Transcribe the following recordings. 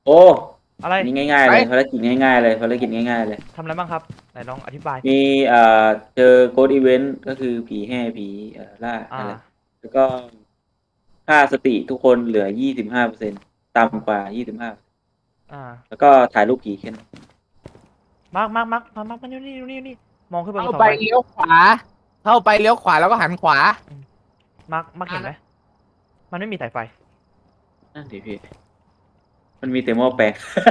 โอ้อะไรนี่ง่ายๆเลยภารกิจง่ายๆเลยภารกิจง่ายๆเลยทำอะไรบ้างครับไหนลองอธิบายมีเจอโกดอีเวนต์ก็คือผีแห่ผีล่าอ่าอะไรแล้วก็ค่าสติทุกคนเหลือ25%ต่ำกว่า25 อ่าแล้วก็ถ่ายรูปผีแค่นั้นมาร์คมานี่มองขึ้นไปบเข้านเสาไปไฟเลี้ยวขวาเข้าไปเลี้ยวขวาแล้วก็หันขวามาร์คเห็นไหมมันไม่มีสายไฟนั่นดิพี่มันมีแต่หม้อแปลง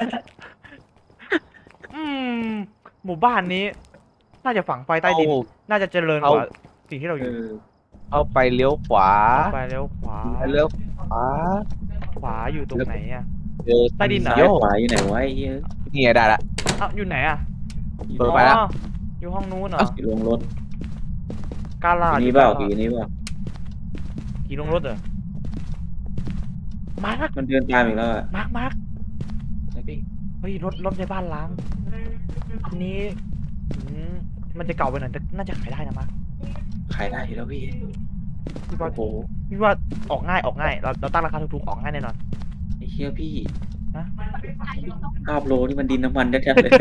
อืมหมู่บ้านนี้ น่าจะฝังไฟใต้ดิน น่าจะเจริญกว่าสิ่งที่เราอยู่เข้าไปเลี้ยวขวาไปแล้วขวาเลี้ยวขวาขวาอยู่ตรงไหนอ่ะเจอใต้ดินเหรอซ้ายขวาอยู่ไหนวะไอ้เหี้ยนี่ไงได้ละอ้าวอยู่ไหนอ่ะเปิดไปแล้วอ๋ออยู่ห้องนู้นเหรออยู่ลงรถกาลาผีดนี้เปล่าผีนี้เปล่าผีลงรถเหรอมาร์คมันเดินตามอีกแล้วอ่ะมาร์คไอ้พี่เฮ้ยรถในบ้านล้างอันนี้อืมมันจะเก่าไปหน่อยแต่น่าจะขายได้นะมาร์คขายได้อยู่แล้วพี่พี่ว่าโอ้โหพี่ว่าออกง่ายเราตั้งราคาถูกๆออกง่ายแน่นอนไอ้เหี้ยพี่นะ 5 โลนี่มันดินน้ำมันชัดๆเลย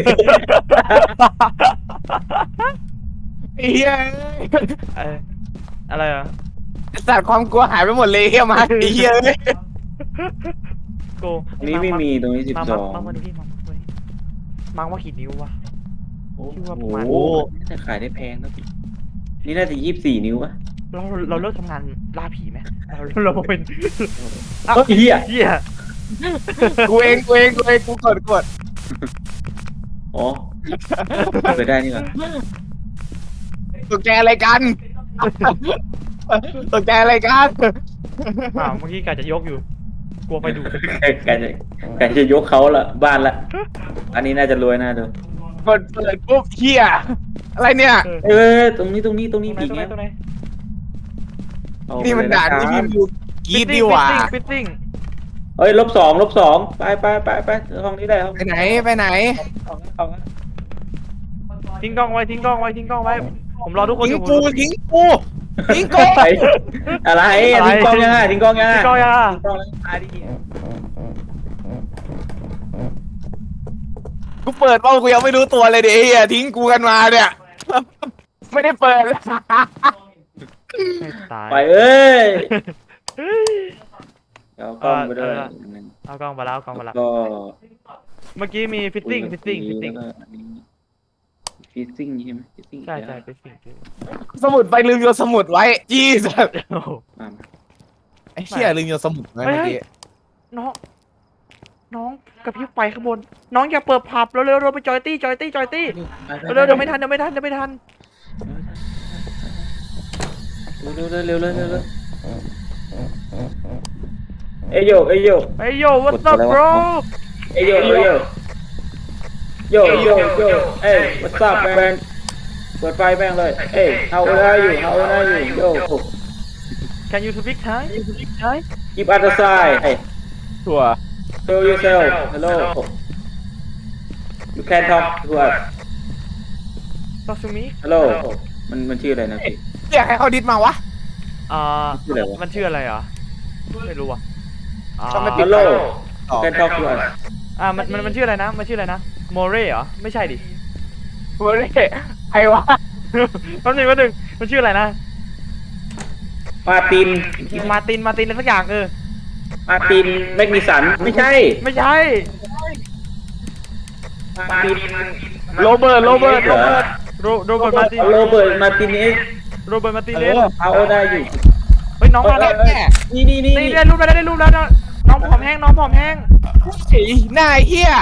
ไอ้เหี้ยเอออะไรอ่ะสัตว์ความกลัวหายไปหมดเลยเฮียมาไอ้เหี้ยเอ้ยโกตรงนี้ไม่มีตรงนี้มา 12 มาดูที่มังว่ากี่นิ้ววะโอ้คิดว่าโหประมาณน่าจะขายได้แพงนะพี่นี่น่าจะ24 นิ้วป่ะเราเลิกทำงานล่าผีไหมเราเป็นเฮ้ยเหี้ยเหี้ยกูเองกูกดอ๋อเปิดได้นี่หว่าตกใจอะไรกันตกใจอะไรกันเมื่อกี้กะจะยกอยู่ กลัวไฟดูดแกจะยกเขาละบ้านละ อันนี้น่าจะรวยน่าดูกดเปิดปุ๊บเฮียอะไรเนี่ยเออตรงนี้ผีตรงไหนเงี้ย เอานี่มันเลยะด่านครับที่พี่ดูกรีดดีหว่าฟิตติ้งเฮ้ย-2ไปห้องนี้ได้ห้องไปไหนไปไหนเอาละทิ้งกล้องไว้ผมรอทุกคนอทิ้งยู่กูทิ้งกูทิ้งกูไปอะไรทิ้งกล้องยังไงทิ้งกล้องยังไงทิ้งกล้องยังทิ้งกล้องแล้วตายดิกูเปิดเปล่ากูยังไม่รู้ตัวเลยเดี๋ยวเฮียทิ้งกูกันมาเนี่ยไม่ได้เปิดตายไปเอ้ยเดี๋ยวกล้องไปด้วยเอากล้องมาแล้วเอากล้องมาแล้วก็เมื่อกี้มีฟิตติ้งฟิตติ้งใช่ไหมฟิตติ้งใช่ฟิตติ้งสมุดไปลืมโยนสมุดไว้จี้สัสโอ้โหมาไอ้เชี่ยลืมโยนสมุดไว้เมื่อกี้น้องกระพริบไฟข้างบนน้องอย่าเปิดผับเร็วๆไปจอยตี้เร็วๆเดี๋ยวไม่ทันเร็วเอ้ยโยเฮ้ยโย่ what's up bro เอ้ยโยเอ้ย what's up man เปิดไฟแม่งเลยเอ้ย how old are you yo can you speak Thai keep at the side hey ถั่ว show yourself hello you can talk to us talk to me hello มันชื่ออะไรนะพี่เรียกให้เขาดิสมาวะชื่ออะไรวะมันชื่ออะไรอ่ะไม่รู้อ่ะก็ไม่ปิด hello you can talk to us มันชื่ออะไรนะโมเร่เหรอไม่ใช่ดิเฮ้ยใครวะแป๊บนึงมันชื่ออะไรนะมาร์ตินมาร์ตินอะไรสักอย่างมาร์ตินแมกนิสันไม่ใช่ไม่ใช่มาร์ตินโรเบิร์ตโรเบิร์ตมาร์ตินโรเบิร์ตมาร์ตินเอสเอาได้อยู่เฮ้ยน้องมาแล้วแม่นี่ได้รูปแล้วน้องผอมแห้งไอ้หน้าเฮีย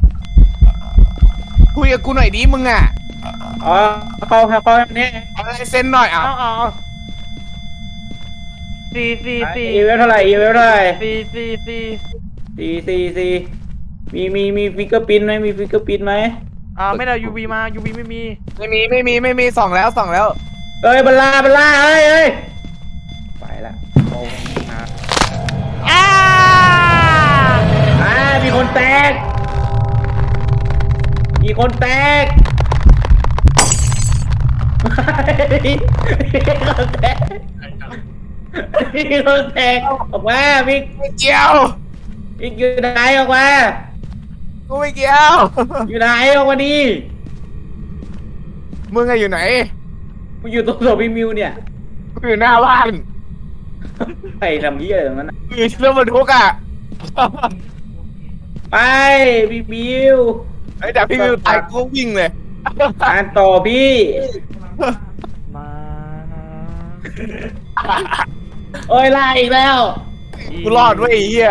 คุยกับกูหน่อยดิมึงอ่ะอ๋อเขาเนี่ยอะไรเซ็นหน่อยอ่ะเอาสี่อีเวลเท่าไหร่สี่มีฟิกเกอร์พินไหมไม่ได้ UV มา UV ไม่มีไม่มีส่องแล้วเอ้ยบัลลาเอ้ยไปละโอ้มามีคนแตกมีคนแตกออกมามิกเจียวอยู่ไหนออกมากูไม่เกี่ยวอยู่ไหนออกมาดิมึงอะอยู่ไหนกูอยู่ตรงศพพี่มิวเนี่ยกูอยู่หน้าบ้านใครทำยี่อะไรตรงนั้นน่ะกูอยู่ที่รถบรรทุกอะไปพี่มิวไอ้แต่พี่วิวตายกูก็วิ่งเลยอ่านต่อพี่มาโอ้ยไล่อีกแล้วกูรอดเว้ยไอ้เหี้ย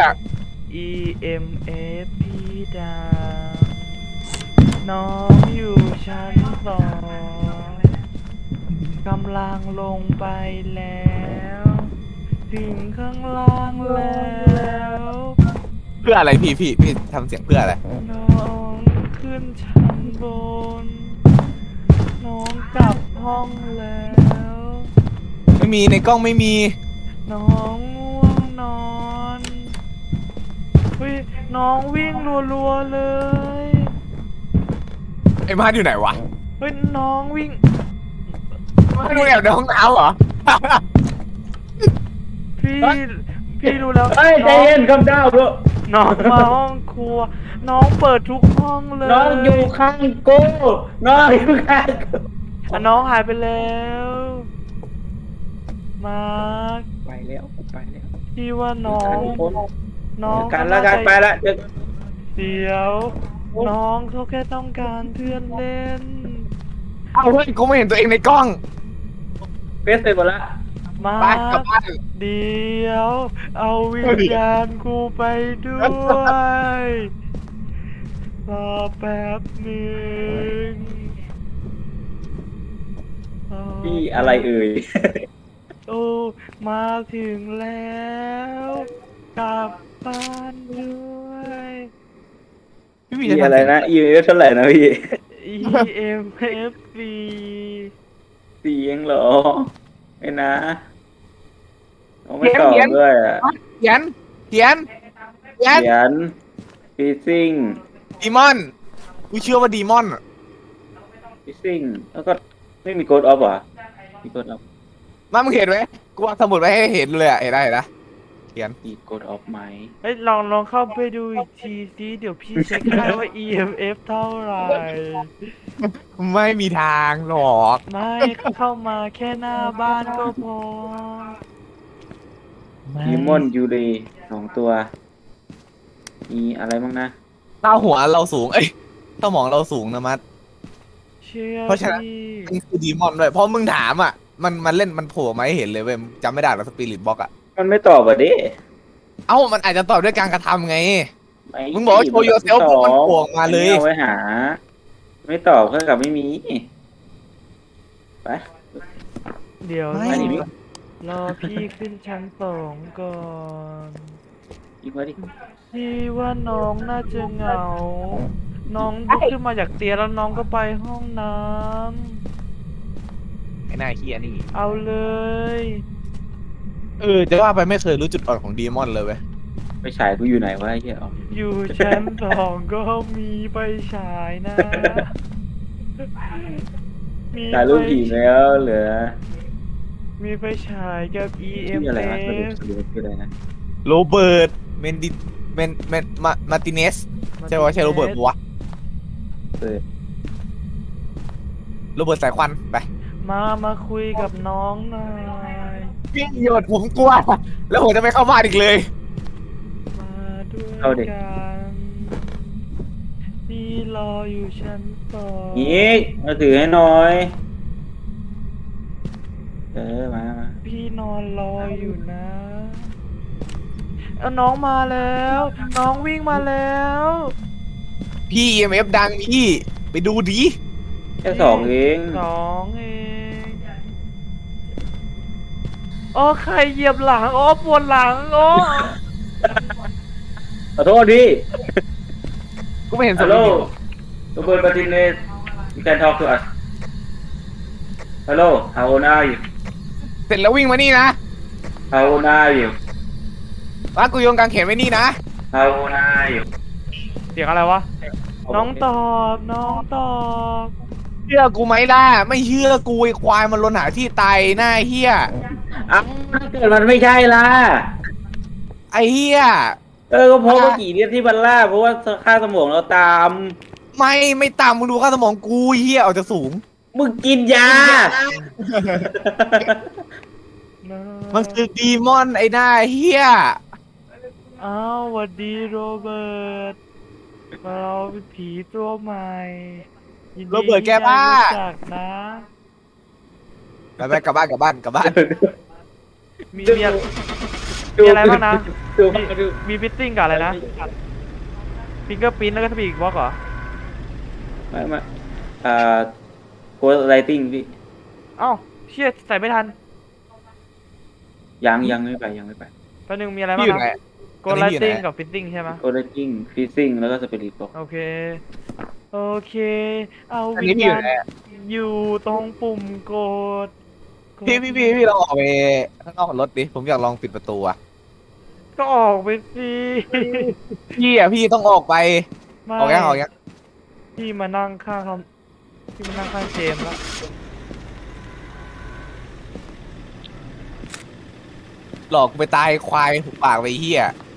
EMF พี่ดาวน้องอยู่ชั้นสองกำลังลงไปแล้ว ถึงข้างล่างแล้วเพื่ออะไรพี่ทำเสียงเพื่ออะไรน้องขึ้นชั้นบน น้องกลับห้องแล้วไม่มีในกล้องไม่มีน้องง่วงนอนเฮ้ยน้องวิ่งรัวๆเลยไอ้มาดอยู่ไหนวะเฮ้ยน้องวิ่งมาดอยู่แอบในห้องน้ำเหรอพี่รู้แล้วเฮ้ยใจเย็นคำดาวด้วยน้องมาห้องครัว น้องเปิดทุกห้องเลยน้องอยู่ข้างกูน้องอยู่ข้างกูอ่ะน้องหายไปแล้วมาร์คไปแล้วกูไปแล้วพี่ว่าน้องคนน้องกันแล้วกันไปละเดี๋ยวเดี๋ยว น้องเขาแค่ต้องการเพื่อนเล่นเอาเฮ้ยกูไม่เห็นตัวเองในกล้องเฟสเสร็จหมดละมาไปกลับบ้านเดี๋ยว เอาวิญญาณกูไปด้วยรอแป๊บหนึ่งพี่อะไรเอ่ยโอ้มาถึงแล้ว กลับบ้านด้วยพี่วีพี่จะอะไรทำเสียงนะ EMF เท่าไหร่นะพี่ EMFC 4เองเหรอไม่นะเขาไม่ตอบด้วยอ่ะเขียนเขียนฟิซซิ่งดีมอนกูเชื่อว่าดีมอนฟิซซิ่งแล้วก็ไม่มีโกดออฟเหรอมีโกดออฟมามึงเห็นไหมกูวางสมุดไว้ให้เห็นเลยอะเห็นได้เห็นนะเขียนมีโกดออฟไหมเฮ้ยลองเข้าไปดูอีกทีสิเดี๋ยวพี่เช็คให้ว่า EMF เท่าไหร่ไม่มีทางหรอกไม่เข้ามาแค่หน้าบ้านก็พอไม่ดีมอนยูเร2 ตัว มีอะไรบ้างนะหน้าหัวเราสูง เอ้ยสมองเราสูงนะมัดเชื่อเพราะฉะนั้นพี่มันคือดีมอนด้วยเพราะมึงถามอ่ะ มันเล่นมันโผล่มาให้เห็นเลยเว้ยจำไม่ได้หรอกสปิริตบ็อกอ่ะมันไม่ตอบอ่ะดิเอ้ามันอาจจะตอบด้วยการกระทำไงไมึงบอกว่าโชว์ yourself ปุ๊บมันโผล่ออกมาเลยเอาไว้หา ไม่ตอบเท่ากับไม่มีไปเดี๋ยวไม่อันนี้มีรอพี่ขึ้นชั้นสองก่อนอีกว่าดิพี่ว่าน้องน่าจะเหงา น้องลุกขึ้นมาจากเตียงแล้วน้องก็ไปห้องน้ไอ้หน้าเฮียนี่ำเอาเลยจะว่าไปไม่เคยรู้จุดอ่อนของดีมอนเลยเว้ยไปฉายกูอยู่ไหนวะไอ้เหี้ยอ๋ออยู่ชั้นสองก็มีไปฉายนะ มีถ่ายรูปผีแล้วเหลือมีไปฉายกับชื่ออะไรวะสรุป EMF ชื่ออะไรนะโรเบิร์ตเมนดิมาร์ติเนสใช่ปะใช่โรเบิร์ตปะวะเปิดโรเบิร์ตสายควันไปมาคุยกับน้องหน่อยพี่โยดผมกลัวแล้วผมจะไม่เข้าบ้านอีกเลยมาด้วยกันพี่รออยู่ชั้นสองอีกมาถือให้หน่อยมาพี่นอนรออยู่นะเอาน้องมาแล้ว น้องวิ่งมาแล้วพี่ EMF ดังพี่ไปดูดิแค่2เองสองเองโอ้ใครเหยียบหลังโอ้ปวดหลังโอ้ขอโทษพี่กูไม่เห็นสฮัลรุโหลป Robert Martinez you can talk to us Hello how old are you เสร็จแล้ววิ่งมานี่นะ how old are you ว่ากูโยนกางเขนไว้นี่นะ how old are you เสียงอะไรวะ น้องตอบน้องตอบเชื่อกูไหมล่ะไม่เชื่อกูไอ้ควายมันลนหาที่ตายหน้าเฮียอ้าวถ้าเกิดมันไม่ใช่ล่ะไอ้เฮียก็เพราะเมื่อกี้เนี่ยที่มันล่าเพราะว่าค่าสมองเราตามไม่ตามมึงดูค่าสมองกูเฮียออกจากสูงมึงกินยามันคือดีมอนไอ้หน้าเฮียอ้าวสวัสดีโรเบิร์ตเราเป็นผีตัวใหม่ยินดีโรเบิร์ตแกบ้าที่ได้รู้จักนะไปกลับบ้านกลับบ้านกลับบ้านมีอะไรบ้างนะดูมีฟิตติ้งกับอะไรนะฟิงเกอร์พิ้นแล้วก็สปีดบล็อกเหรอไม่โค้ดไรติ้งพี่เอ้าเชี่ยใส่ไม่ทันยังไม่ไปยังไม่ไปแป๊บนึงมีอะไรบ้าพี่งอยู่ไหนนะโกลไลติ้งกับฟิตติ้งใช่ไหมโค้ดไรติ้งฟิซซิ่งแล้วก็สเปริตบอกโอเค โอเค เอาอันวินี้ญพี่อยู่ญาณไหนอยู่ตรงปุ่มกดกดพี่ลองออกไปข้างนอกรถดิผมอยากลองปิดประตูอ่ะก็ออกไปสิพี่ต้องออกไปไม่ออกยังพี่มานั่งข้างพี่มานั่งข้างเจมส์แล้วหลอกกูไปตายควายหุบปากไปเฮีย